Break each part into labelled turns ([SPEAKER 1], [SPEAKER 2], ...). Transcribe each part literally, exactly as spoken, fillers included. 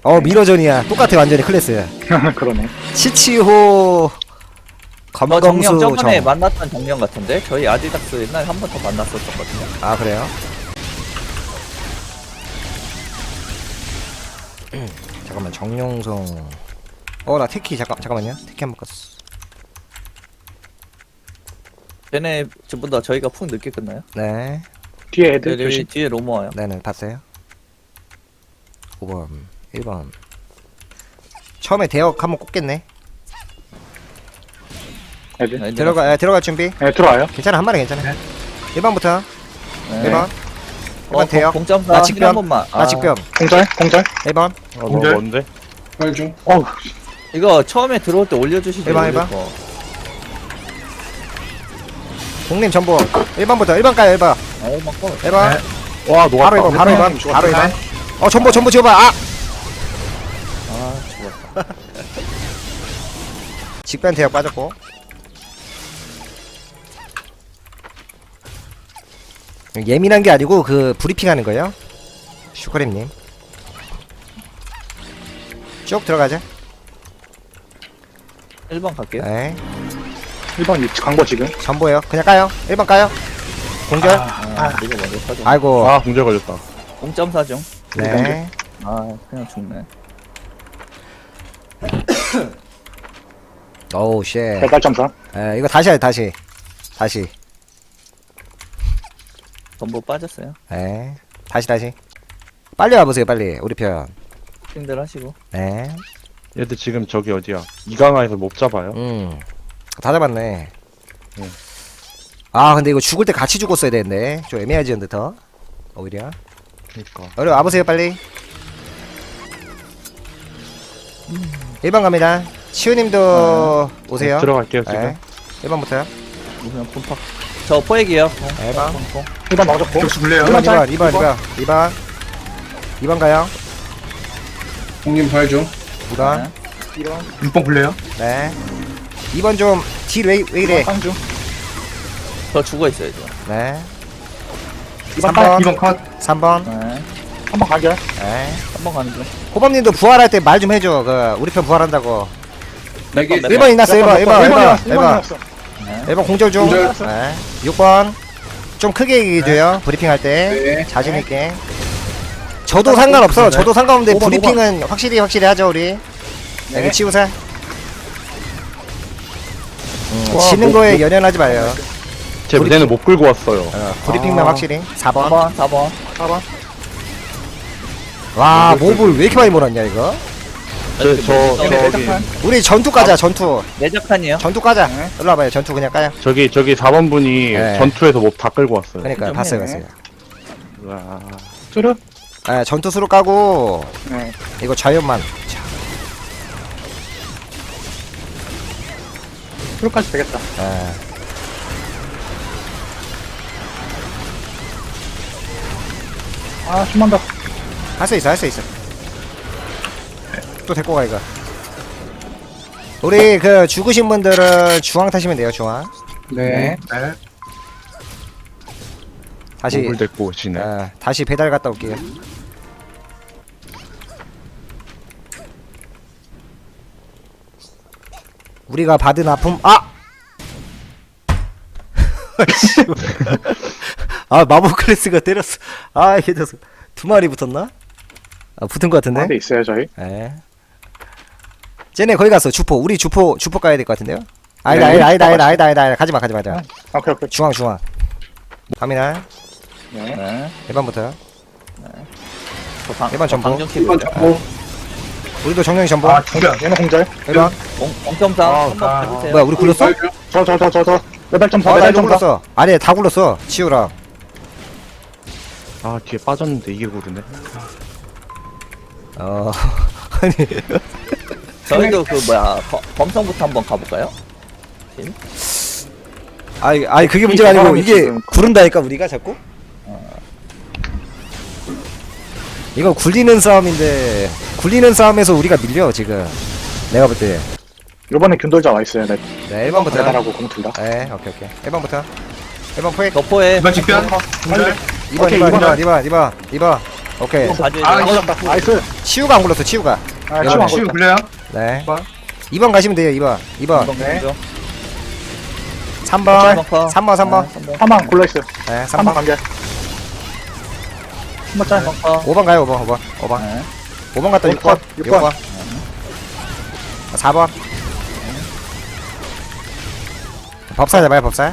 [SPEAKER 1] 어 미러전이야. 똑같아 완전히 클래스.
[SPEAKER 2] 그러네.
[SPEAKER 1] 치치호
[SPEAKER 3] 저 정령
[SPEAKER 1] 검검수
[SPEAKER 3] 저번에
[SPEAKER 1] 정.
[SPEAKER 3] 만났던 정령 같은데? 저희 아디닥스 옛날에 한 번 더 만났었거든요.
[SPEAKER 1] 아 그래요? 잠깐만 정룡성. 어 나 테키 잠깐 잠깐만요. 테키 한번 껐어.
[SPEAKER 3] 쟤네 전부 다 저희가 푹 늦게 끝나요?
[SPEAKER 1] 네.
[SPEAKER 2] 뒤에
[SPEAKER 3] 네,
[SPEAKER 2] 애들
[SPEAKER 3] 여기
[SPEAKER 2] 조심.
[SPEAKER 3] 뒤에 로모 와요.
[SPEAKER 1] 네네 봤어요. 오 번 일 번 처음에 대역 한번 꽂겠네.
[SPEAKER 2] 애들.
[SPEAKER 3] 네,
[SPEAKER 1] 들어가 에, 들어갈 준비.
[SPEAKER 2] 네, 들어와요.
[SPEAKER 1] 괜찮아 한 마리 괜찮아.
[SPEAKER 2] 네.
[SPEAKER 1] 일 번부터
[SPEAKER 3] 네.
[SPEAKER 1] 일 번. 일 번
[SPEAKER 3] 어,
[SPEAKER 1] 대역.
[SPEAKER 3] 공점사
[SPEAKER 1] 나
[SPEAKER 3] 한
[SPEAKER 1] 직변.
[SPEAKER 3] 번만.
[SPEAKER 1] 나 직변.
[SPEAKER 2] 공절, 공절.
[SPEAKER 1] 일 번.
[SPEAKER 4] 아, 너무
[SPEAKER 2] 공절.
[SPEAKER 4] 먼데?
[SPEAKER 5] 빨중.
[SPEAKER 2] 어우,
[SPEAKER 3] 이거 처음에 들어올 때 올려주시죠.
[SPEAKER 1] 해봐,
[SPEAKER 3] 올릴
[SPEAKER 1] 해봐.
[SPEAKER 3] 거.
[SPEAKER 1] 공님 전부 일 번부터 일 번 가요 일 번.
[SPEAKER 3] 아, 일 번 꺼.
[SPEAKER 1] 일 번.
[SPEAKER 2] 네.
[SPEAKER 4] 와, 녹았다.
[SPEAKER 1] 바로 일 번 바로 일 번.
[SPEAKER 2] 죽었다.
[SPEAKER 1] 바로 일 번. 어 전부 전부 지워봐. 아!
[SPEAKER 3] 아, 죽었다.
[SPEAKER 1] 직변 대역 빠졌고. 예민한 게 아니고 그 브리핑 하는 거예요. 슈크림님. 쭉 들어가자.
[SPEAKER 3] 일 번 갈게요.
[SPEAKER 1] 네.
[SPEAKER 2] 일 번 광고 지금.
[SPEAKER 1] 전보요. 그냥 까요. 일 번 까요. 공절.
[SPEAKER 3] 아, 이거 먼저 터져.
[SPEAKER 1] 아이고.
[SPEAKER 4] 아, 공절 걸렸다.
[SPEAKER 3] 공점사 중.
[SPEAKER 1] 네.
[SPEAKER 3] 아, 그냥 죽네.
[SPEAKER 1] 오우 쉣.
[SPEAKER 2] 배달점사.
[SPEAKER 1] 에 이거 다시 해 다시. 다시.
[SPEAKER 3] 전부 빠졌어요.
[SPEAKER 1] 에 다시 다시. 빨리 와보세요 빨리 우리 편.
[SPEAKER 3] 힘들 하시고.
[SPEAKER 1] 네.
[SPEAKER 4] 얘들 지금 저기 어디야? 이강화에서 못 잡아요?
[SPEAKER 1] 음. 다 잡았네.
[SPEAKER 4] 응.
[SPEAKER 1] 아 근데 이거 죽을 때 같이 죽었어야 되는데 좀 애매하지 근데 더 오히려.
[SPEAKER 4] 그니까.
[SPEAKER 1] 어려 와보세요 빨리. 일 번 갑니다. 치우님도 오세요.
[SPEAKER 4] 들어갈게요, 지금.
[SPEAKER 1] 네. 일 번부터요.
[SPEAKER 3] 그냥 분팍. 저 포획이요.
[SPEAKER 1] 일 번.
[SPEAKER 2] 일 번 넣어줬고.
[SPEAKER 5] 격수 불래요.
[SPEAKER 1] 이 번 이 번 이 번 이 번 이 번 이 번 가요.
[SPEAKER 5] 공님 부활 중.
[SPEAKER 1] 이 번.
[SPEAKER 3] 네.
[SPEAKER 2] 일 번.
[SPEAKER 5] 육 번 불래요.
[SPEAKER 1] 네. 이 번 좀 딜 왜 왜 이래?
[SPEAKER 2] 쌍 중.
[SPEAKER 3] 저 죽어 있어요, 저.
[SPEAKER 1] 네.
[SPEAKER 2] 이 번
[SPEAKER 1] 삼 번.
[SPEAKER 2] 딱.
[SPEAKER 5] 이 번 컷.
[SPEAKER 1] 삼 번.
[SPEAKER 3] 네.
[SPEAKER 2] 한 번 가결.
[SPEAKER 1] 네.
[SPEAKER 3] 한 번 가는 중.
[SPEAKER 1] 호범님도 부활할 때 말 좀 해줘. 그 우리 편 부활한다고.
[SPEAKER 5] 네 개.
[SPEAKER 3] 몇
[SPEAKER 1] 일 번 이났어. 일 번 일 번 일 번 일 번
[SPEAKER 3] 네.
[SPEAKER 1] 일 번 공절 중.
[SPEAKER 5] 공절.
[SPEAKER 1] 네. 육 번 좀 크게 얘기해줘요. 브리핑 할 때.
[SPEAKER 5] 네.
[SPEAKER 1] 자신 있게. 저도 상관없어.
[SPEAKER 5] 네.
[SPEAKER 1] 저도 상관없는데
[SPEAKER 2] 오 번,
[SPEAKER 1] 브리핑은 확실히 확실히 하죠 우리.
[SPEAKER 2] 네.
[SPEAKER 1] 여기 치우사. 음,
[SPEAKER 2] 와,
[SPEAKER 1] 지는
[SPEAKER 2] 뭐,
[SPEAKER 1] 거에
[SPEAKER 2] 뭐.
[SPEAKER 1] 연연하지 말아요.
[SPEAKER 4] 제 무대는 못 끌고 왔어요.
[SPEAKER 1] 어, 브리핑만
[SPEAKER 2] 아.
[SPEAKER 1] 확실히. 사 번.
[SPEAKER 3] 사 번, 사 번.
[SPEAKER 2] 사 번.
[SPEAKER 1] 와 몹을 왜 이렇게 많이 몰았냐 이거.
[SPEAKER 4] 저, 저,
[SPEAKER 2] 얘네
[SPEAKER 4] 저기,
[SPEAKER 2] 내장판.
[SPEAKER 1] 우리 전투 가자 전투.
[SPEAKER 3] 내작판이요.
[SPEAKER 1] 전투 가자.
[SPEAKER 2] 네.
[SPEAKER 1] 일로 와봐요. 전투 그냥 까요.
[SPEAKER 4] 저기, 저기 사 번 분이
[SPEAKER 1] 네.
[SPEAKER 4] 전투에서 몹 다 끌고 왔어요.
[SPEAKER 1] 그러니까
[SPEAKER 3] 좀
[SPEAKER 1] 봤어요
[SPEAKER 2] 해.
[SPEAKER 1] 봤어요.
[SPEAKER 4] 와.
[SPEAKER 2] 뚜르.
[SPEAKER 1] 예, 전투 수로 까고
[SPEAKER 2] 네.
[SPEAKER 1] 이거 자연만. 자,
[SPEAKER 2] 뚜르까지 되겠다.
[SPEAKER 1] 예.
[SPEAKER 2] 아, 좀만 더.
[SPEAKER 1] 할 수 있어 할 수 있어. 또 데리고 가 이거. 우리 그 죽으신 분들은 중앙 타시면 돼요 중앙.
[SPEAKER 5] 네. 네.
[SPEAKER 1] 다시
[SPEAKER 4] 몹을 데리고 오시네.
[SPEAKER 1] 예, 다시 배달 갔다 올게요. 우리가 받은 아픔 아! 아 마법 클래스가 때렸어. 아 이게 저- 두 마리 붙었나? 아 붙은 것 같은데?
[SPEAKER 2] 가운데 있어요, 저희.
[SPEAKER 1] 예. 쟤네 거기 갔어 주포. 우리 주포 주포 가야 될 것 같은데요? 아니다
[SPEAKER 2] 네,
[SPEAKER 1] 아니다 아니다
[SPEAKER 2] 우리
[SPEAKER 1] 아니다 아니다 아니다 아니다 가지마 가지마 가지마.
[SPEAKER 2] 아, 오케이, 오케이.
[SPEAKER 1] 중앙 중앙. 갑니다.
[SPEAKER 2] 네.
[SPEAKER 3] 네.
[SPEAKER 1] 일 번부터요.
[SPEAKER 3] 저 방,
[SPEAKER 1] 일 번 전보.
[SPEAKER 3] 방정
[SPEAKER 5] 일 번
[SPEAKER 3] 키고.
[SPEAKER 5] 잡고.
[SPEAKER 1] 우리도 정령이 전보.
[SPEAKER 5] 아 중변.
[SPEAKER 2] 얘는 공절.
[SPEAKER 1] 일 번.
[SPEAKER 3] 공, 공점사
[SPEAKER 5] 아,
[SPEAKER 3] 한번
[SPEAKER 5] 아,
[SPEAKER 3] 가주세요.
[SPEAKER 1] 뭐야 우리 굴렀어?
[SPEAKER 5] 부활 중.
[SPEAKER 2] 저, 저, 저, 저, 저. 매달점사,
[SPEAKER 1] 어, 나 이거
[SPEAKER 2] 매달점사.
[SPEAKER 1] 굴렀어. 아니 다 굴렀어. 치우랑.
[SPEAKER 4] 아, 뒤에 빠졌는데 이게 고르네.
[SPEAKER 1] 어. 아니.
[SPEAKER 3] 저희도 그 뭐야 검- 검성부터 한번 가볼까요?
[SPEAKER 1] 아이 아이 그게 문제가 아니고
[SPEAKER 2] 사람이
[SPEAKER 1] 이게
[SPEAKER 2] 지금-
[SPEAKER 1] 구른다니까 우리가 자꾸. 이거 굴리는 싸움인데 굴리는 싸움에서 우리가 밀려 지금. 내가 볼 때.
[SPEAKER 2] 요번에 균돌자 와 있어요. 네.
[SPEAKER 1] 네 일 번부터.
[SPEAKER 2] 배달하고 공틀 다.
[SPEAKER 1] 네 오케이 오케이. 일 번부터. 일 번 포획.
[SPEAKER 3] 덕포에
[SPEAKER 5] 이 번 직변.
[SPEAKER 2] 어,
[SPEAKER 5] 공절.
[SPEAKER 1] 이 번
[SPEAKER 2] 오케이,
[SPEAKER 1] 이 번 이
[SPEAKER 2] 이번
[SPEAKER 1] 번 이 번 이 번 이 번 오케이.
[SPEAKER 3] 이번 봐줘야
[SPEAKER 5] 아,
[SPEAKER 3] 돼요.
[SPEAKER 2] 걸렸다. 나이스.
[SPEAKER 1] 치우가 안 굴렀어, 치우가.
[SPEAKER 2] 아,
[SPEAKER 1] 네.
[SPEAKER 2] 치우 안
[SPEAKER 5] 치우
[SPEAKER 2] 걸렸다.
[SPEAKER 5] 굴려요?
[SPEAKER 1] 네.
[SPEAKER 5] 번.
[SPEAKER 1] 이 번 가시면 돼요, 이 번. 이 번.
[SPEAKER 3] 이번
[SPEAKER 2] 네.
[SPEAKER 3] 죠
[SPEAKER 1] 삼 번.
[SPEAKER 3] 삼 번.
[SPEAKER 1] 삼 번, 삼 번.
[SPEAKER 2] 한방 굴러있어요.
[SPEAKER 1] 네, 삼
[SPEAKER 2] 한방
[SPEAKER 1] 번.
[SPEAKER 2] 관계. 한번 짤.
[SPEAKER 1] 오 번 가요, 오 번, 오 번. 오 번.
[SPEAKER 3] 네.
[SPEAKER 1] 오 번 갔다 육 번.
[SPEAKER 2] 육
[SPEAKER 1] 육
[SPEAKER 2] 번.
[SPEAKER 1] 번. 사 번. 법사 잡아요, 법사.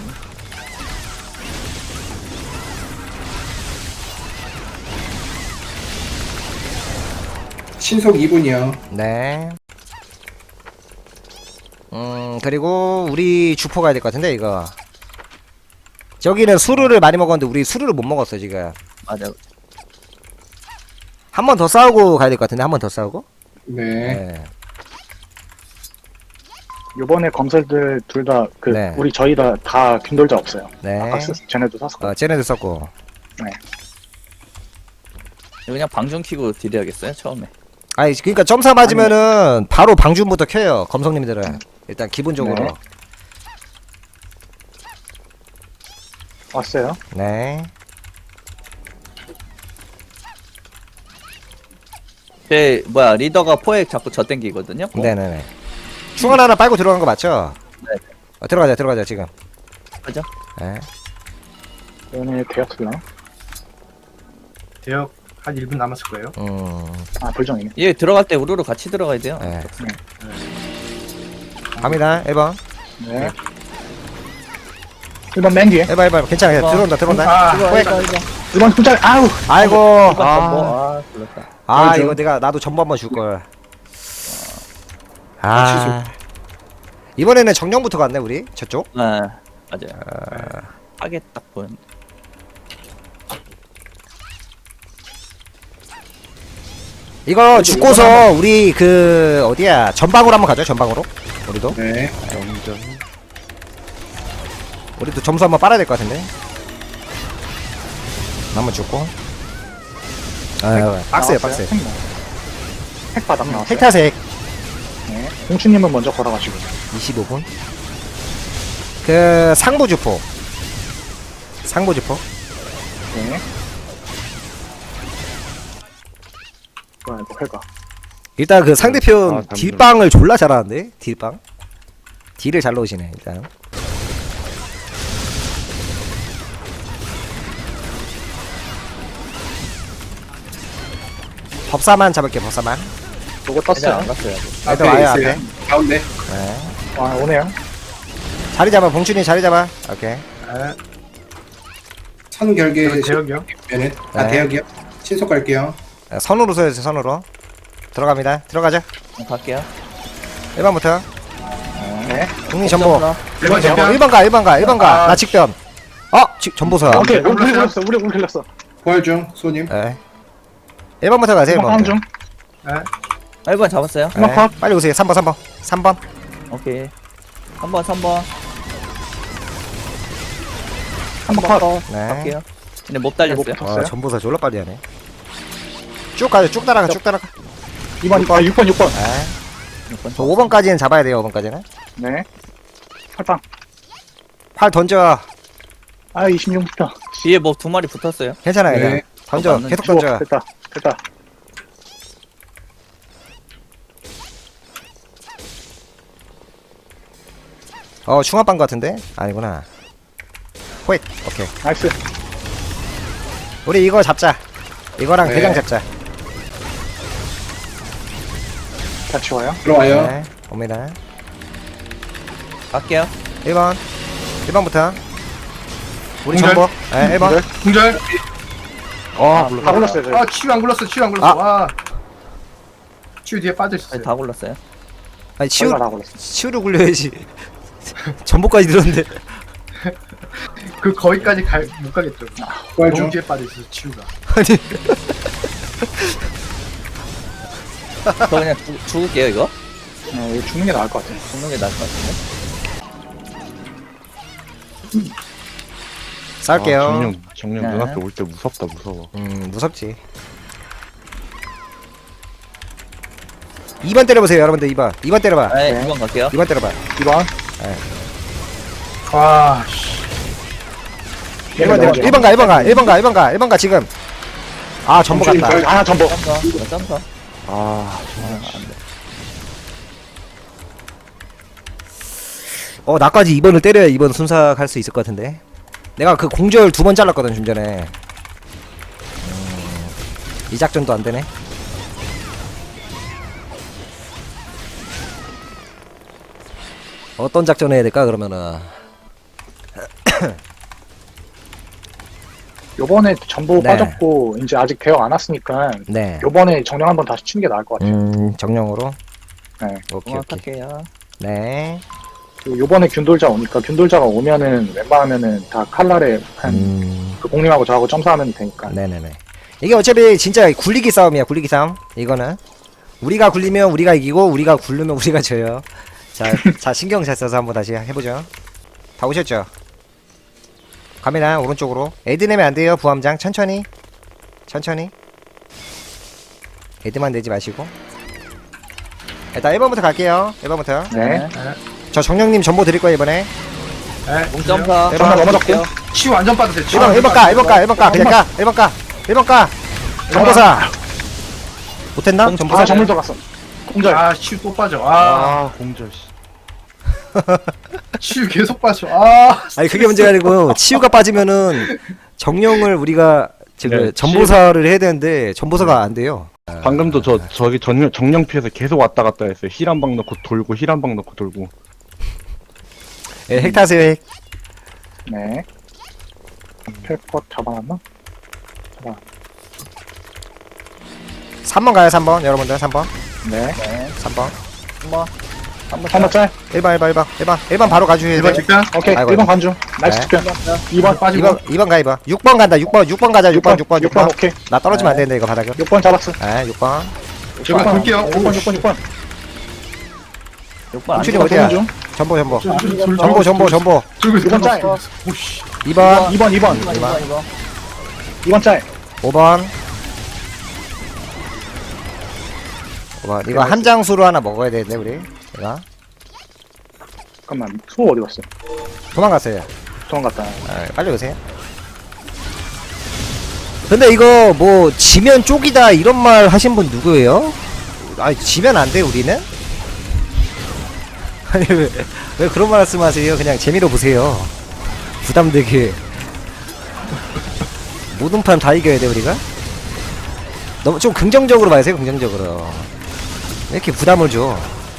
[SPEAKER 5] 신속 이 분이요.
[SPEAKER 1] 네. 음, 그리고 우리 주포 가야 될 것 같은데, 이거. 저기는 수루를 많이 먹었는데, 우리 수루를 못 먹었어, 지금.
[SPEAKER 3] 맞아.
[SPEAKER 1] 한 번 더 싸우고 가야 될 것 같은데, 한 번 더 싸우고?
[SPEAKER 5] 네.
[SPEAKER 1] 네.
[SPEAKER 2] 요번에 검설들 둘 다, 그,
[SPEAKER 1] 네.
[SPEAKER 2] 우리 저희 다, 다 균돌자 없어요.
[SPEAKER 1] 네.
[SPEAKER 2] 아까 쓰, 쟤네도 샀었고.
[SPEAKER 1] 어, 쟤네들 썼고.
[SPEAKER 3] 그냥 방중 키고 딜해야겠어요 처음에.
[SPEAKER 1] 아니, 그니까 점사 맞으면은, 바로 방준부터 켜요, 검성님들은. 일단, 기본적으로.
[SPEAKER 2] 네. 왔어요.
[SPEAKER 1] 네.
[SPEAKER 3] 제 뭐야 리더가 포획 자꾸 저 땡기거든요. 어?
[SPEAKER 1] 네네네. 충원 하나 빨고 들어간 거 맞죠?
[SPEAKER 3] 네.
[SPEAKER 1] 어, 들어가자, 들어가자, 지금.
[SPEAKER 3] 그죠?
[SPEAKER 1] 네.
[SPEAKER 2] 얘네 대학 슬라.
[SPEAKER 5] 대역 한 일 분 남았을 거예요.
[SPEAKER 1] 음,
[SPEAKER 2] 아, 불정이네.
[SPEAKER 3] 얘 들어갈 때 우르르 같이 들어가야 돼요.
[SPEAKER 1] 네. 갑니다, 일 번.
[SPEAKER 2] 네. 일 번 맨 뒤에.
[SPEAKER 1] 일 번, 일 번. 괜찮아,
[SPEAKER 3] 일 번.
[SPEAKER 1] 들어온다, 들어온다.
[SPEAKER 5] 아,
[SPEAKER 3] 이거
[SPEAKER 1] 포획.
[SPEAKER 3] 이거 이거.
[SPEAKER 2] 일 번 숫자, 아우!
[SPEAKER 1] 아이고.
[SPEAKER 3] 아,
[SPEAKER 1] 아,
[SPEAKER 3] 아 불렀다.
[SPEAKER 1] 아
[SPEAKER 5] 맞아.
[SPEAKER 1] 이거 내가, 나도 전부 한번 줄걸.
[SPEAKER 5] 아,
[SPEAKER 1] 아. 이번에는 정령부터 갔네, 우리. 저쪽.
[SPEAKER 3] 네 맞아요. 하게 딱 보는.
[SPEAKER 1] 이거 죽고서 우리 그 어디야 전방으로 한번 가죠. 전방으로 우리도
[SPEAKER 5] 네.
[SPEAKER 4] 영전.
[SPEAKER 1] 우리도 점수 한번 빨아야 될 것 같은데. 한번 죽고. 아 빡세요 빡세.
[SPEAKER 2] 핵, 핵 바닥 나왔어요.
[SPEAKER 1] 헬타색
[SPEAKER 2] 네. 공추님은 먼저 걸어가시고.
[SPEAKER 1] 이십오 분. 그 상부 주포. 상부 주포.
[SPEAKER 2] 네. 뭐야, 이거 회가.
[SPEAKER 1] 일단 그 상대편
[SPEAKER 4] 아, 잠시만요.
[SPEAKER 1] 딜빵을 졸라 잘하는데 딜빵. 딜을 잘 넣으시네 일단. 법사만 잡을게 법사만.
[SPEAKER 2] 요거
[SPEAKER 3] 애들 안
[SPEAKER 2] 떴어요.
[SPEAKER 3] 갔어요. 아직.
[SPEAKER 1] 애들 와요
[SPEAKER 5] 있어요.
[SPEAKER 1] 앞에.
[SPEAKER 5] 가운데.
[SPEAKER 1] 네.
[SPEAKER 2] 아, 오네요.
[SPEAKER 1] 자리 잡아 봉준이 자리 잡아. 오케이.
[SPEAKER 5] 아. 선 결계
[SPEAKER 6] 대역이요?
[SPEAKER 5] 면은 아
[SPEAKER 1] 네.
[SPEAKER 5] 대역이요. 신속 갈게요.
[SPEAKER 1] 네, 선으로 서야지 선으로. 들어갑니다. 들어가자.
[SPEAKER 3] 네, 갈게요.
[SPEAKER 1] 일 번부터.
[SPEAKER 2] 네.
[SPEAKER 1] 국민 전보.
[SPEAKER 6] 일 번
[SPEAKER 1] 어,
[SPEAKER 6] 전보.
[SPEAKER 1] 일 번 가, 일 번 가, 일 번 가.
[SPEAKER 6] 아,
[SPEAKER 1] 나 직변. 어, 지, 전보사.
[SPEAKER 2] 오케이,
[SPEAKER 6] 네,
[SPEAKER 2] 우리
[SPEAKER 6] 올랐어요?
[SPEAKER 2] 걸렸어. 우리 우리 걸렸어.
[SPEAKER 5] 부활 중 소님.
[SPEAKER 1] 네. 일 번부터 가세요, 일
[SPEAKER 2] 한번
[SPEAKER 1] 번.
[SPEAKER 2] 중.
[SPEAKER 3] 일 번 잡았어요.
[SPEAKER 2] 한번 컷.
[SPEAKER 1] 빨리 오세요. 삼 번, 삼 번. 삼 번.
[SPEAKER 3] 오케이. 삼 번 삼 번.
[SPEAKER 2] 한번 컷.
[SPEAKER 1] 네.
[SPEAKER 3] 갈게요. 근데 못 달렸어요.
[SPEAKER 2] 못
[SPEAKER 1] 어,
[SPEAKER 2] 없어요?
[SPEAKER 1] 전보사 졸라 빨리 하네. 쭉 가요. 쭉 따라가, 쭉 따라가.
[SPEAKER 2] 이 번, 아, 육 번, 육 번.
[SPEAKER 1] 네.
[SPEAKER 3] 육 번
[SPEAKER 1] 저 오 번까지는 잡아야 돼요, 오 번까지는.
[SPEAKER 2] 네. 팔빵.
[SPEAKER 1] 활 던져.
[SPEAKER 2] 아, 이십육 점.
[SPEAKER 3] 뒤에 뭐 두 마리 붙었어요.
[SPEAKER 1] 괜찮아요, 그냥.
[SPEAKER 5] 네.
[SPEAKER 1] 던져.
[SPEAKER 3] 맞는-
[SPEAKER 1] 계속 던져.
[SPEAKER 2] 됐다. 됐다.
[SPEAKER 1] 어, 중화빵 같은데? 아니구나. 호잇. 오케이.
[SPEAKER 2] 나이스.
[SPEAKER 1] 우리 이거 잡자. 이거랑
[SPEAKER 5] 네.
[SPEAKER 1] 대장 잡자.
[SPEAKER 2] 다 치워요.
[SPEAKER 5] 들어와요.
[SPEAKER 1] 네. 옵니다.
[SPEAKER 3] 갈게요.
[SPEAKER 1] 일 번. 일 번부터. 우리
[SPEAKER 6] 공절.
[SPEAKER 1] 전보. 네, 일 번.
[SPEAKER 6] 공절.
[SPEAKER 1] 어,
[SPEAKER 2] 다 걸렸어요, 저희.
[SPEAKER 6] 아 치유 안 굴렀어. 치유 안 굴렀어.
[SPEAKER 1] 아.
[SPEAKER 6] 와. 치유 뒤에 빠져 있었어요.
[SPEAKER 3] 아니, 다 골랐어요.
[SPEAKER 1] 아니, 치우,
[SPEAKER 2] 치우. 다 걸렸어.
[SPEAKER 1] 치우를 굴려야지. 전보까지 들었는데.
[SPEAKER 6] 그 거기까지 갈 못 가겠죠.
[SPEAKER 5] 부활
[SPEAKER 6] 너무
[SPEAKER 5] 중.
[SPEAKER 6] 뒤에 빠져 있어. 치유가.
[SPEAKER 1] 아니.
[SPEAKER 3] 저 그냥 죽, 죽을게요 이거.
[SPEAKER 2] 네, 이거 죽는 게 나을 것 같아.
[SPEAKER 3] 죽는 게 나을 것 같은데.
[SPEAKER 1] 싸울게요.
[SPEAKER 4] 아, 정령, 정령
[SPEAKER 3] 네.
[SPEAKER 4] 눈앞에 올 때 무섭다, 무서워.
[SPEAKER 1] 음, 무섭지. 이 번 때려보세요, 여러분들. 이 번. 이 번 때려봐.
[SPEAKER 3] 네,
[SPEAKER 2] 네.
[SPEAKER 3] 이 번 갈게요.
[SPEAKER 1] 이 번 때려봐.
[SPEAKER 2] 이 번.
[SPEAKER 6] 와. 씨.
[SPEAKER 1] 일 번 때려. 일 번 가, 일 번 가, 일 번 가, 일 번 가, 일 번 가, 지금. 아 전보
[SPEAKER 5] 점주님
[SPEAKER 1] 갔다.
[SPEAKER 5] 결-
[SPEAKER 2] 아, 전복.
[SPEAKER 3] 점사. 이거 점사.
[SPEAKER 4] 아,
[SPEAKER 1] 어 나까지 이 번을 때려야 이 번 순삭할 수 있을 것 같은데. 내가 그 공절 두 번 잘랐거든 좀 전에. 음, 이 작전도 안 되네. 어떤 작전 해야 될까 그러면은.
[SPEAKER 2] 요번에 전복
[SPEAKER 1] 네.
[SPEAKER 2] 빠졌고, 이제 아직 대역 안 왔으니까,
[SPEAKER 1] 네.
[SPEAKER 2] 요번에 정령 한번 다시 치는 게 나을 것 같아요.
[SPEAKER 1] 음 정령으로.
[SPEAKER 2] 네.
[SPEAKER 1] 오케이 오케이.
[SPEAKER 3] 정확할게요.
[SPEAKER 1] 네.
[SPEAKER 2] 그리고 요번에 균돌자 오니까, 균돌자가 오면은, 웬만하면은 다 칼날에 한,
[SPEAKER 1] 음.
[SPEAKER 2] 그 공님하고 저하고 점사하면 되니까.
[SPEAKER 1] 네네네. 이게 어차피 진짜 굴리기 싸움이야. 굴리기 싸움. 이거는 우리가 굴리면 우리가 이기고 우리가 굴르면 우리가 져요. 자, 자 신경 잘 써서 한번 다시 해보죠. 다 오셨죠? 갑니다. 오른쪽으로. 애드 내면 안 돼요. 부함장 천천히, 천천히. 애드만 내지 마시고. 일단 일 번부터 갈게요. 일 번부터.
[SPEAKER 2] 네.
[SPEAKER 1] 저 정령님 전보 드릴 거예요 이번에.
[SPEAKER 6] 네.
[SPEAKER 3] 공점사.
[SPEAKER 1] 일 번
[SPEAKER 2] 전화 넘어졌고.
[SPEAKER 6] 치유 완전 빠졌어요. 치유
[SPEAKER 1] 일 번 일 번 까, 일 번 까, 일 번 까. 그냥 까. 일 번 까. 일 번 까. 전보사. 못했나?
[SPEAKER 2] 아,
[SPEAKER 1] 전보사.
[SPEAKER 2] 전물 들어갔어. 공절.
[SPEAKER 6] 아 치유 또 빠져. 아
[SPEAKER 4] 아, 공절, 씨.
[SPEAKER 6] 치유 계속 빠져. 아
[SPEAKER 1] 아니 그게 문제가 아니고 치유가 빠지면은 정령을 우리가 지금
[SPEAKER 4] 네,
[SPEAKER 1] 전보사를 해야 되는데 전보사가 안 돼요.
[SPEAKER 4] 방금도 저, 저기 전, 정령 피해서 계속 왔다 갔다 했어요. 힐 한 방 넣고 돌고, 힐 한 방 넣고 돌고.
[SPEAKER 1] 예, 핵 타세요 핵.
[SPEAKER 2] 네. 펠컷 잡아놨나? 잡아.
[SPEAKER 1] 삼 번 가요 삼 번 여러분들 삼 번
[SPEAKER 2] 네.
[SPEAKER 1] 삼 번
[SPEAKER 3] 한번. 한번.
[SPEAKER 2] 한번 짤.
[SPEAKER 1] 일 번 일 번 일 번 일 번 일 번 바로 가주셔야
[SPEAKER 6] 일반
[SPEAKER 1] 돼요.
[SPEAKER 6] 직변
[SPEAKER 2] 오케이.
[SPEAKER 1] 아이고,
[SPEAKER 2] 일 번 관중. 나이스
[SPEAKER 1] 네.
[SPEAKER 2] 투표. 이 번.
[SPEAKER 6] 빠지고
[SPEAKER 1] 이 번 이 번 가 이 번 육 번 간다 육 번 육 번 가자 육 번 육 번 육 번
[SPEAKER 2] 오케이.
[SPEAKER 1] 나 떨어지면 안 되는데 이거 바닥에.
[SPEAKER 2] 육 번 잡았어.
[SPEAKER 1] 예 육 번
[SPEAKER 6] 제가 볼게요.
[SPEAKER 2] 육 번, 육 번, 육 번.
[SPEAKER 3] 육 번.
[SPEAKER 1] 홍준이
[SPEAKER 2] 육 번
[SPEAKER 1] 어디야?
[SPEAKER 2] 도는 중.
[SPEAKER 1] 전보 전보
[SPEAKER 6] 전보
[SPEAKER 1] 전보 전보 전보
[SPEAKER 6] 들고 있어.
[SPEAKER 2] 육 번 짤.
[SPEAKER 6] 오씨.
[SPEAKER 1] 이 번
[SPEAKER 2] 이 번, 이 번.
[SPEAKER 3] 이번, 이번, 이번.
[SPEAKER 2] 이 번 짤.
[SPEAKER 1] 오 번 오 번 이거 한 장수로 하나 먹어야 되는데 우리 이거
[SPEAKER 2] 잠깐만. 수호 어디 갔어?
[SPEAKER 1] 도망갔어요.
[SPEAKER 2] 도망갔다.
[SPEAKER 1] 아, 빨리 오세요. 근데 이거 뭐 지면 쪽이다 이런 말 하신 분 누구예요? 아니 지면 안 돼 우리는? 아니 왜, 왜 그런 말씀하세요? 그냥 재미로 보세요. 부담되게 모든 판 다 이겨야 돼 우리가? 너무 좀 긍정적으로 봐주세요. 긍정적으로. 왜 이렇게 부담을 줘?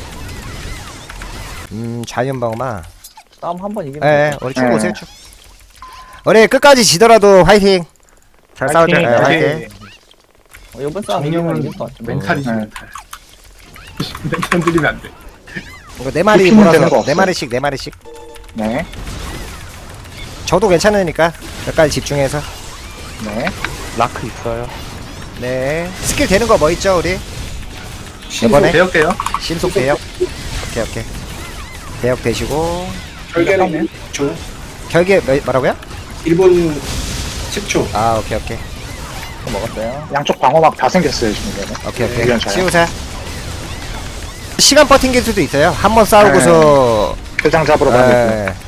[SPEAKER 1] 음 자연방어마.
[SPEAKER 3] 싸움 한 번 이기면.
[SPEAKER 1] 예, 우리 쭉
[SPEAKER 2] 네.
[SPEAKER 1] 오세요 쭉. 우리 끝까지 지더라도 화이팅. 잘 싸우자. 예,
[SPEAKER 2] 화이팅,
[SPEAKER 1] 화이팅.
[SPEAKER 3] 어, 이번 싸움 이기면
[SPEAKER 6] 정령은
[SPEAKER 3] 이길 것 같아.
[SPEAKER 6] 멘탈이지
[SPEAKER 2] 네.
[SPEAKER 6] 멘탈. 멘탈 들리면 안 돼.
[SPEAKER 1] 이거 네 마리
[SPEAKER 2] 피면 되는 거
[SPEAKER 1] 몰아서
[SPEAKER 2] 없어?
[SPEAKER 1] 네 마리씩 네 마리씩.
[SPEAKER 2] 네.
[SPEAKER 1] 저도 괜찮으니까 몇 가지 집중해서.
[SPEAKER 2] 네.
[SPEAKER 4] 라크 있어요.
[SPEAKER 1] 네. 스킬 되는 거 뭐 있죠 우리?
[SPEAKER 5] 신속
[SPEAKER 1] 이번에
[SPEAKER 6] 배울게요.
[SPEAKER 1] 신속 대역. 오케이 오케이. 대역 되시고
[SPEAKER 5] 결계는 일 초.
[SPEAKER 1] 결계 뭐, 뭐라고요?
[SPEAKER 5] 일 분 십 초.
[SPEAKER 1] 아 오케이 오케이
[SPEAKER 3] 먹었어요.
[SPEAKER 2] 양쪽 방어막 다 생겼어요, 지금. 얘는.
[SPEAKER 1] 오케이 오케이.
[SPEAKER 2] 의견 차요.
[SPEAKER 1] 치우자. 시간 버틴 게 수도 있어요. 한 번 싸우고서
[SPEAKER 2] 대장 잡으러 가는
[SPEAKER 1] 예,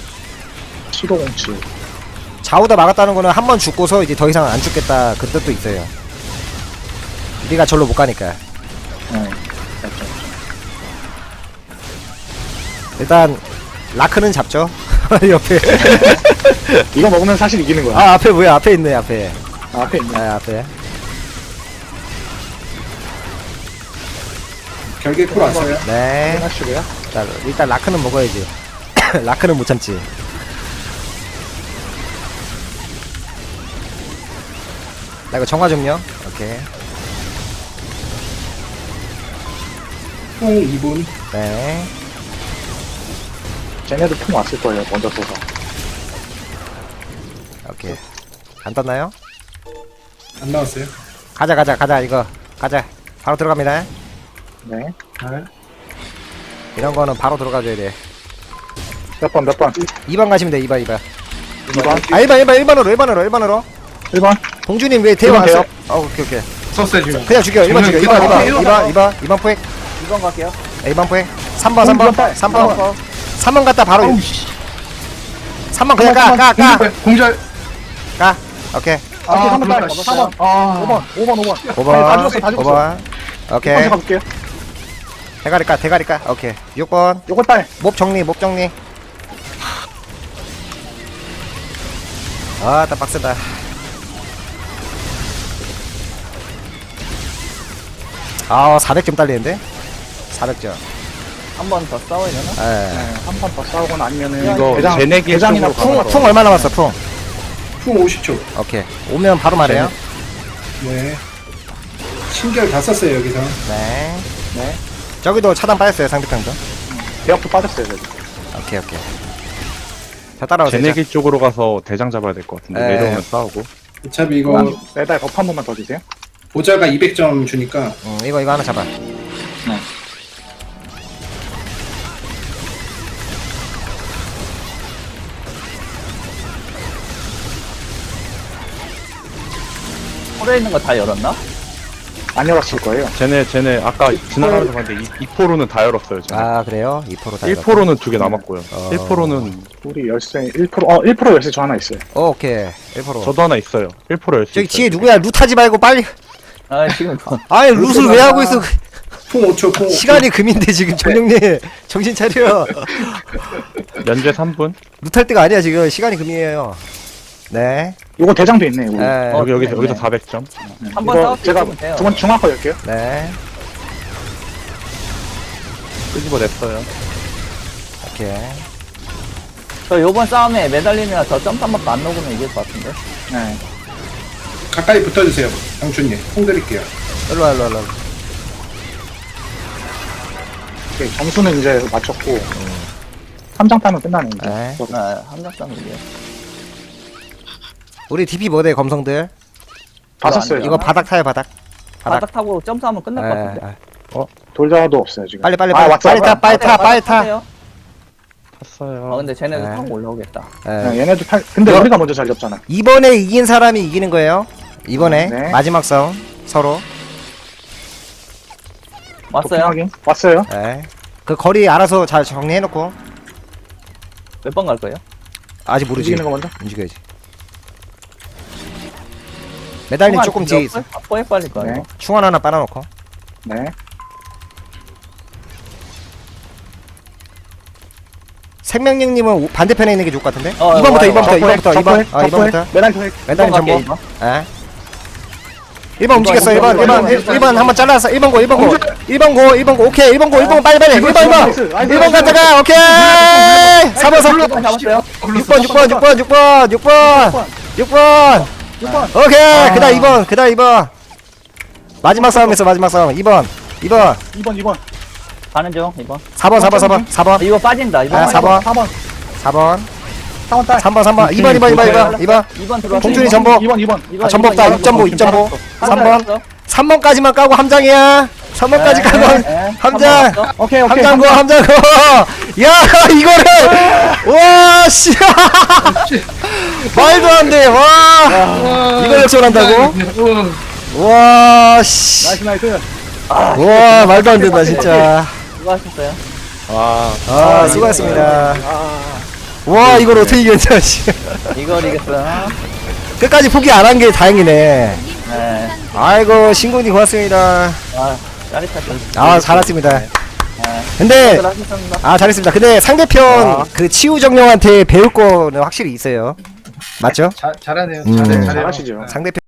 [SPEAKER 2] 칠오공칠.
[SPEAKER 1] 좌우다 막았다는 거는 한 번 죽고서 이제 더 이상 안 죽겠다 그 뜻도 있어요. 우리가 절로 못 가니까.
[SPEAKER 2] 네.
[SPEAKER 1] 일단 라크는 잡죠. 옆에.
[SPEAKER 2] 이거 먹으면 사실 이기는 거야.
[SPEAKER 1] 아 앞에 뭐야? 앞에 있네 앞에.
[SPEAKER 2] 아, 앞에 있네.
[SPEAKER 1] 아 앞에.
[SPEAKER 5] 결계 쿨 왔어요.
[SPEAKER 1] 네.
[SPEAKER 2] 하시고요.
[SPEAKER 1] 일단, 일단 라크는 먹어야지. 라크는 못 참지. 나 이거 정화 좀요. 오케이.
[SPEAKER 5] 총 이 분.
[SPEAKER 1] 네.
[SPEAKER 2] 쟤네도 통 왔을 거예요, 먼저 쏘서.
[SPEAKER 1] 오케이. 안 떴나요?
[SPEAKER 5] 안 나왔어요.
[SPEAKER 1] 가자 가자 가자 이거 가자. 바로 들어갑니다.
[SPEAKER 2] 네.
[SPEAKER 6] 네.
[SPEAKER 1] 이런 거는 바로 들어가줘야 돼.
[SPEAKER 2] 몇 번, 몇 번?
[SPEAKER 1] 이 번 가시면 돼. 이 번 이 번.
[SPEAKER 2] 이 번.
[SPEAKER 1] 아 일 번 일 번 일 번으로 일 번으로 일 번으로.
[SPEAKER 2] 일 번.
[SPEAKER 1] 봉주님 왜 대화
[SPEAKER 2] 일 번
[SPEAKER 1] 왔어요?
[SPEAKER 2] 돼요?
[SPEAKER 1] 어 오케이 오케이.
[SPEAKER 6] 썼어요 지금.
[SPEAKER 1] 그냥 죽여. 일 번 죽여. 이 번 이 번 이 번 이 번 이 번 포획.
[SPEAKER 3] 이번 갈게요.
[SPEAKER 1] 이 번 포획. 삼 번 삼 번 삼 번 삼 번 갔다 바로
[SPEAKER 6] 아우 씨.
[SPEAKER 1] 삼 번 그냥 가 가 가
[SPEAKER 6] 공절 공절.
[SPEAKER 1] 가. 오케이.
[SPEAKER 2] 오케이, 삼 번 딸.
[SPEAKER 3] 잡았어요.
[SPEAKER 2] 사 번.
[SPEAKER 6] 아,
[SPEAKER 2] 오 번. 오 번, 오 번.
[SPEAKER 1] 오 번.
[SPEAKER 2] 다 죽었어, 다
[SPEAKER 1] 오
[SPEAKER 2] 죽었어.
[SPEAKER 1] 번.
[SPEAKER 2] 육
[SPEAKER 1] 오케이.
[SPEAKER 2] 번 가볼게요.
[SPEAKER 1] 대가리 까, 대가리 까. 오케이. 육 번.
[SPEAKER 2] 요거 딸.
[SPEAKER 1] 몹 정리, 몹 정리. 아, 딱 빡세다. 아, 사백 점 딸리는데? 사백 점.
[SPEAKER 3] 한 번 더 싸워야 되나?
[SPEAKER 1] 예.
[SPEAKER 2] 네, 한 번 더 싸우거나 아니면은
[SPEAKER 4] 이거
[SPEAKER 2] 대장,
[SPEAKER 4] 제네기
[SPEAKER 2] 대장이나
[SPEAKER 4] 쪽으로
[SPEAKER 2] 풍,
[SPEAKER 1] 풍,
[SPEAKER 4] 가봐라.
[SPEAKER 1] 풍 얼마 남았어, 풍?
[SPEAKER 5] 풍 오십 초.
[SPEAKER 1] 오케이. 오면 바로 말해요.
[SPEAKER 5] 네. 신결 다 썼어요, 여기서.
[SPEAKER 1] 네.
[SPEAKER 2] 네.
[SPEAKER 1] 저기도 차단 빠졌어요, 상대편도.
[SPEAKER 2] 대역도 빠졌어요, 저기.
[SPEAKER 1] 오케이, 오케이. 자, 따라오세요.
[SPEAKER 4] 제네기 쪽으로 가서 대장 잡아야 될 것 같은데
[SPEAKER 1] 네.
[SPEAKER 4] 내려오면 싸우고.
[SPEAKER 5] 어차피 이거
[SPEAKER 2] 음, 매달 버프 한 번만 더 주세요.
[SPEAKER 5] 보자가 이백 점 주니까
[SPEAKER 1] 응, 이거, 이거 하나 잡아.
[SPEAKER 3] 홀에 있는 거 다 열었나?
[SPEAKER 2] 안 열었을 거예요.
[SPEAKER 4] 쟤네 쟤네 아까 지나가면서 봤는데 이 포로는 다 열었어요. 쟤네.
[SPEAKER 1] 아, 그래요? 이 퍼센트 다.
[SPEAKER 4] 일 퍼센트는 두 개 남았고요.
[SPEAKER 1] 어.
[SPEAKER 4] 일 퍼센트는
[SPEAKER 2] 우리 열쇠 일 퍼센트, 어, 일 퍼센트 열쇠 저 하나 있어요.
[SPEAKER 1] 어, 오케이. 일 퍼센트.
[SPEAKER 4] 저도 하나 있어요. 일 퍼센트 열수
[SPEAKER 1] 저기
[SPEAKER 4] 있어요.
[SPEAKER 1] 뒤에 누구야? 룻하지 말고 빨리.
[SPEAKER 3] 아 지금 더-
[SPEAKER 1] 아니, 룻을 왜 하고 있어?
[SPEAKER 5] 풍 오 초, 풍 오 초.
[SPEAKER 1] 시간이 금인데, 지금, 정령님. 정신 차려.
[SPEAKER 4] 연재 삼 분.
[SPEAKER 1] 룻할 때가 아니야, 지금. 시간이 금이에요. 네.
[SPEAKER 2] 요거 대장도 있네, 우리.
[SPEAKER 1] 네.
[SPEAKER 4] 여기 여기
[SPEAKER 3] 네,
[SPEAKER 4] 여기서
[SPEAKER 3] 네.
[SPEAKER 4] 사백 점.
[SPEAKER 3] 한 번
[SPEAKER 2] 이거
[SPEAKER 3] 싸울 수
[SPEAKER 2] 제가
[SPEAKER 3] 있으면 돼요.
[SPEAKER 2] 두 번 중앙 거 열게요.
[SPEAKER 1] 네.
[SPEAKER 4] 끄집어냈어요.
[SPEAKER 1] 오케이.
[SPEAKER 3] 저 요번 싸움에 매달리면 저 점프 한 번도 안 녹으면 이길 것 같은데.
[SPEAKER 2] 네.
[SPEAKER 5] 가까이 붙어주세요, 장춘님. 풍 드릴게요.
[SPEAKER 1] 일로와, 일로와, 일로와.
[SPEAKER 2] 오케이, 점수는 이제 맞췄고. 삼 장 따면 끝나네, 이제.
[SPEAKER 1] 네.
[SPEAKER 3] 아, 한장 싸움 이겨.
[SPEAKER 1] 우리 디피 뭐돼, 검성들?
[SPEAKER 2] 다
[SPEAKER 3] 이거
[SPEAKER 2] 썼어요.
[SPEAKER 3] 안
[SPEAKER 1] 이거 바닥 타요, 바닥. 바닥.
[SPEAKER 3] 바닥 타고 점프하면 끝날 것
[SPEAKER 1] 예,
[SPEAKER 3] 같은데.
[SPEAKER 1] 예.
[SPEAKER 2] 돌자도 없어요, 지금.
[SPEAKER 1] 빨리, 빨리,
[SPEAKER 2] 아,
[SPEAKER 1] 빨리.
[SPEAKER 2] 왔어,
[SPEAKER 1] 빨리 타,
[SPEAKER 2] 왔어.
[SPEAKER 1] 빨리 타, 빨리 타.
[SPEAKER 3] 타세요.
[SPEAKER 4] 탔어요.
[SPEAKER 3] 아 근데 쟤네도
[SPEAKER 1] 네.
[SPEAKER 3] 타고 올라오겠다.
[SPEAKER 1] 예.
[SPEAKER 2] 네, 얘네도 탈, 근데
[SPEAKER 1] 이거-
[SPEAKER 2] 우리가 먼저 잘 잡잖아.
[SPEAKER 1] 이번에 이긴 사람이 이기는 거예요. 이번에
[SPEAKER 2] 네.
[SPEAKER 1] 마지막 싸움 서로.
[SPEAKER 3] 왔어요?
[SPEAKER 2] 확인. 왔어요.
[SPEAKER 1] 예. 그 거리 알아서 잘 정리해놓고.
[SPEAKER 3] 몇 번 갈 거예요?
[SPEAKER 1] 아직 모르지.
[SPEAKER 2] 움직이는 거 먼저.
[SPEAKER 1] 움직여야지. 매달린 조금 뒤에 있어.
[SPEAKER 3] 뽀에 빨릴 거야.
[SPEAKER 2] 네.
[SPEAKER 3] 이거.
[SPEAKER 1] 충원 하나 빨아놓고.
[SPEAKER 2] 네.
[SPEAKER 1] 생명력님은 오- 반대편에 있는 게 좋을 것 같은데?
[SPEAKER 3] 어,
[SPEAKER 1] 이번부터
[SPEAKER 3] 와요,
[SPEAKER 1] 이번부터
[SPEAKER 2] 와요.
[SPEAKER 1] 이번부터
[SPEAKER 2] 적부해,
[SPEAKER 1] 이번 어
[SPEAKER 2] 적부해.
[SPEAKER 1] 이번부터
[SPEAKER 2] 매달 더 해.
[SPEAKER 1] 매달린
[SPEAKER 3] 갈게,
[SPEAKER 1] 전보
[SPEAKER 3] 이번.
[SPEAKER 1] 예 일 번 움직였어 일 번 일 번
[SPEAKER 6] 이번,
[SPEAKER 1] 일 번 한번 잘라서 일 번 고 일 번 고 일 번 고 일 번 고 오케이 일 번 고 일 번 빨리 빨리 일 번 일 번
[SPEAKER 2] 나이스, 나이스,
[SPEAKER 1] 일 번
[SPEAKER 2] 나이스.
[SPEAKER 1] 갔다가 오케이 사 번 삼 번
[SPEAKER 3] 번 잡았어요?
[SPEAKER 1] 육 번 육 번 육 번 육 번 육 번 육 번
[SPEAKER 2] 육 번.
[SPEAKER 1] 오케이 그다음 이 번 그다음 이 번 마지막 싸움에서 마지막 싸움 이 번 이 번
[SPEAKER 2] 이 번, 이 번.
[SPEAKER 3] 가는 중 이번.
[SPEAKER 1] 사 번 사 번 사 번 사 번
[SPEAKER 3] 이거 빠진다. 이번.
[SPEAKER 1] 아, 사 번.
[SPEAKER 2] 사 번.
[SPEAKER 1] 사 번
[SPEAKER 2] 사 번 딸.
[SPEAKER 1] 삼 번 삼 번 이 번 이 번 이 번 이 번 이 번
[SPEAKER 3] 이번 들어왔어.
[SPEAKER 1] 공준이
[SPEAKER 3] 이번.
[SPEAKER 1] 전보
[SPEAKER 2] 이 번, 이 번.
[SPEAKER 3] 이번,
[SPEAKER 1] 아 전보
[SPEAKER 3] 이번,
[SPEAKER 1] 없다
[SPEAKER 3] 이번.
[SPEAKER 1] 육 점보 육 점보
[SPEAKER 3] 한
[SPEAKER 1] 삼 번
[SPEAKER 3] 번.
[SPEAKER 1] 삼 번까지만 까고 함장이야 삼 번까지
[SPEAKER 3] 네,
[SPEAKER 1] 까고
[SPEAKER 3] 네, 네.
[SPEAKER 1] 함장
[SPEAKER 3] 한 번 왔어?
[SPEAKER 2] 오케이, 오케이.
[SPEAKER 1] 함장고 함장고 야 이거를 와씨 말도 안돼와 이걸 역전한다고 와씨
[SPEAKER 2] 나이스, 나이스.
[SPEAKER 1] 와 말도 안 된다 진짜
[SPEAKER 3] 수고하셨어요.
[SPEAKER 4] 와.
[SPEAKER 1] 아 수고하셨습니다 와 이걸 어떻게 이겼냐 씨
[SPEAKER 3] 이걸 이겼어.
[SPEAKER 1] 끝까지 포기 안 한 게 다행이네
[SPEAKER 3] 네.
[SPEAKER 1] 아이고 신군이 고맙습니다
[SPEAKER 3] 아, 짜릿하죠.
[SPEAKER 1] 아 잘했습니다
[SPEAKER 3] 네.
[SPEAKER 1] 근데
[SPEAKER 3] 수고하셨습니다.
[SPEAKER 1] 아 잘했습니다 근데 상대편 그 치우정령한테 배울 거는 확실히 있어요 맞죠?
[SPEAKER 6] 자, 잘하네요.
[SPEAKER 1] 음.
[SPEAKER 6] 잘해, 잘해요.
[SPEAKER 2] 잘하시죠.
[SPEAKER 1] 상대편